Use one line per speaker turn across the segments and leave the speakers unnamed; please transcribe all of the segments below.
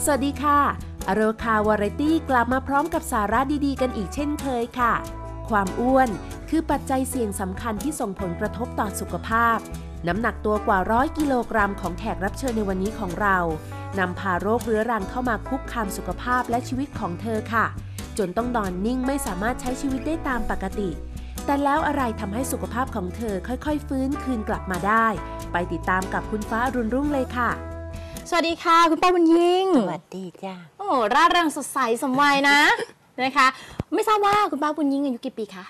สวัสดีค่ะอโรคาวาไรตี้กลับมาพร้อมกับสาระดีๆกันอีกเช่นเคยค่ะความอ้วนคือปัจจัยเสี่ยงสำคัญที่ส่งผลกระทบต่อสุขภาพน้ำหนักตัวกว่า100 กิโลกรัมของแขกรับเชิญในวันนี้ของเรานำพาโรคเรื้อรังเข้ามาคุกคามสุขภาพและชีวิตของเธอค่ะจนต้องนอนนิ่งไม่สามารถใช้ชีวิตได้ตามปกติแต่แล้วอะไรทำให้สุขภาพของเธอค่อยๆฟื้นคืนกลับมาได้ไปติดตามกับคุณฟ้าอรุณรุ่งเลยค่ะ
สวัสดีค่ะคุณป้าบุญยิ่ง
สวัสดีจ้า
โอ้ร่าเริงสดใสสมวัยนะ นะคะไม่ทราบว่าคุณป้าบุญยิ่งอายุกี่ปีคะ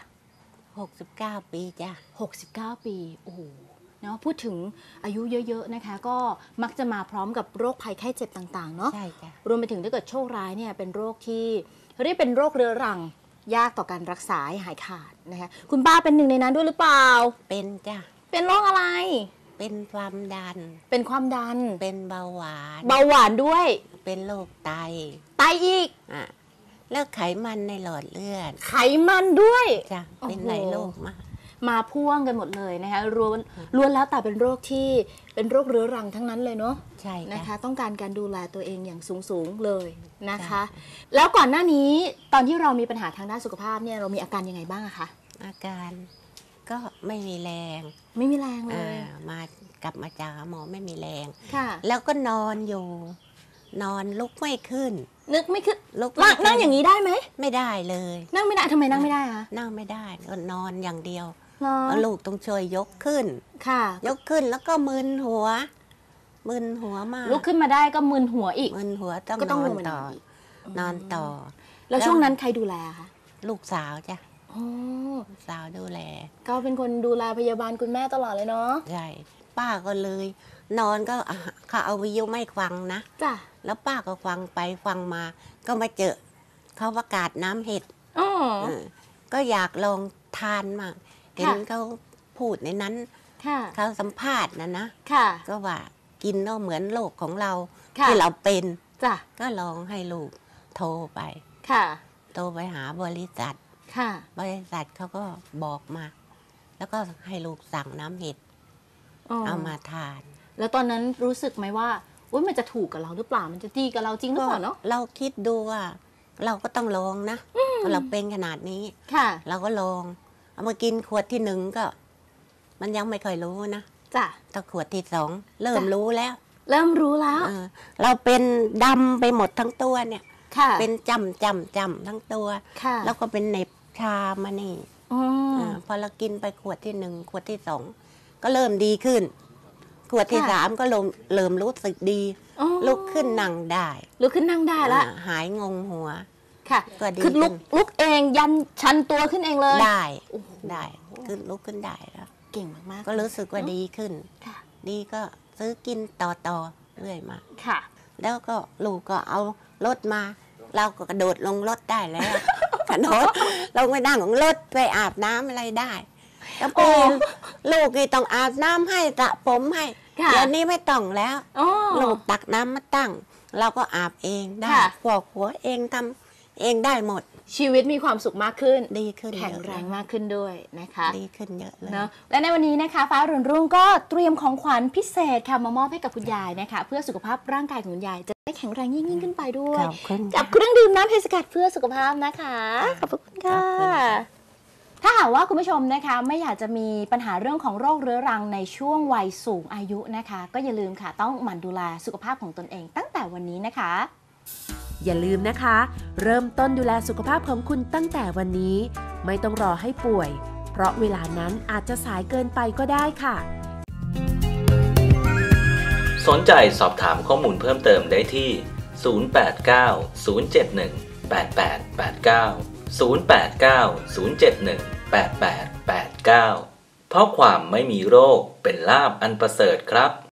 69 ปีจ้า
69 ปีโอ้โหเนาะพูดถึงอายุเยอะๆนะคะก็มักจะมาพร้อมกับโรคภัยไข้เจ็บต่างๆเนาะ
ใช่จ้ะ
รวมไปถึงถ้าเกิดโชคร้ายเนี่ยเป็นโรคที่เรียกเป็นโรคเรื้อรังยากต่อการรักษาให้หายขาดนะคะคุณป้าเป็นหนึ่งในนั้นด้วยหรือเปล่า
เป็นจ้ะ
เป็นโรคอะไร
เป็นความดัน
เป็นความดัน
เป็นเบาหว
านด้วย
เป็นโรคไต
อีก
แล้วไขมันในหลอดเลือด
ไขมันด้วย
จ้ะเป็นหลายโรค
มาพ่วงกันหมดเลยนะคะล้วนแล้วแต่เป็นโรคที่เป็นโรคเรื้อรังทั้งนั้นเลยเนาะ
ใช่
นะคะต้องการการดูแลตัวเองอย่างสูงเลยนะคะแล้วก่อนหน้านี้ตอนที่เรามีปัญหาทางด้านสุขภาพเนี่ยเรามีอาการยังไงบ้างอะคะ
อาการก็ไม่มีแรง
เลย
กลับมาจากหมอไม่มีแรง
ค่ะ
แล้วก็นอนอยู่นอนลุกไม่ขึ้น
นึกไม่ขึ้นนั่งอย่างนี้ได้ไหม
ไม่ได้เลย
นั่งไม่ได้ทำไมนั่งไม่ได้คะ
นั่งไม่ได้ก็นอนอย่างเดียวลูกต้องช่วยยกขึ้น
ค่ะ
ยกขึ้นแล้วก็มึนหัวมาก
ลุกขึ้นมาได้ก็มึนหัวอีก
มึนหัวต้องนอนต่อ
แล้วช่วงนั้นใครดูแลคะ
ลูกสาวจ้ะลูกสาวดูแล
ก็เป็นคนดูแลพยาบาลคุณแม่ตลอดเลยเนาะ
ใช่ป้าก็เลยนอนก็เขาเอาวิทยุไม่ฟังนะ
จ้ะ
แล้วป้าก็ฟังไปฟังมาก็มาเจอเขาประกาศน้ำเห็ดก็อยากลองทานมากเห็นเขาพูดในนั้นเขาสัมภาษณ์นะก็ว่ากินก็เหมือนโรคของเราที่เราเป็นก็ลองให้ลูกโทรไปโทรไปหาบริษัทเขาก็บอกมาแล้วก็ให้ลูกสั่งน้ำเห็ดเอามาทาน
แล้วตอนนั้นรู้สึกไหมว่ามันจะถูกกับเราหรือเปล่ามันจะดีกับเราจริงหรือเปล่าเนาะ
เราคิดดูว่าเราก็ต้องลองนะเราเป็นขนาดนี้เราก็ลองเอามากินขวดที่1ก็มันยังไม่ค่อยรู้นะ
จ้ะ
แต่ขวดที่2เริ่มรู้แล้ว
เรา
เป็นดำไปหมดทั้งตัวเนี่ยเป็นจำทั้งตัวแล้วก็เป็นเหน็บชามานี่พอเรากินไปขวดที่1ขวดที่2ก็เริ่มดีขึ้นขวดที่3ก็เริ่มรู้สึกดีลุกขึ้นนั่งได้
แล้ว
หายงงหัว
ค่ะคือลุกเองยันชันตัวขึ้นเองเลย
ได้คือลุกขึ้นได้แล้ว
เก่งมาก
ก็รู้สึกว่าดีขึ้นดีก็ซื้อกินต่อเรื่อยมา
ค่ะ
แล้วก็ลูกก็เอารถมาเราก็กระโดดลงรถได้แล้วกระโดดลงไปนั่งของรถไปอาบน้ำอะไรได้แล้วพอลูกนี่ต้องอาบน้ำให้สระผมให้เดี๋ยวนี้ไม่ต้องแล้วลูกตักน้ำมาตั้งเราก็อาบเองได้ฟอกหัวเองทำเองได้หมด
ชีวิตมีความสุขมากขึ้น
ดีขึ้น
แข็งแรงมากขึ้นด้วยนะคะ
ดีขึ้นเยอะเลย
เนาะและในวันนี้นะคะฟ้ารุ่งก็เตรียมของขวัญพิเศษค่ะมามอบให้กับคุณยายนะคะเพื่อสุขภาพร่างกายของคุณยายจะได้แข็งแรงยิ่งขึ้นไปด้วยกับเครื่องดื่มน้ำเพชรสกัดเพื่อสุขภาพนะคะขอบคุณค่ะถ้าหากว่าคุณผู้ชมนะคะไม่อยากจะมีปัญหาเรื่องของโรคเรื้อรังในช่วงวัยสูงอายุนะคะก็อย่าลืมค่ะต้องหมั่นดูแลสุขภาพของตนเองตั้งแต่วันนี้นะคะ
อย่าลืมนะคะเริ่มต้นดูแลสุขภาพของคุณตั้งแต่วันนี้ไม่ต้องรอให้ป่วยเพราะเวลานั้นอาจจะสายเกินไปก็ได้ค่ะ
สนใจสอบถามข้อมูลเพิ่มเติมได้ที่089 071 8889 089 071 8889เพราะความไม่มีโรคเป็นลาภอันประเสริฐครับ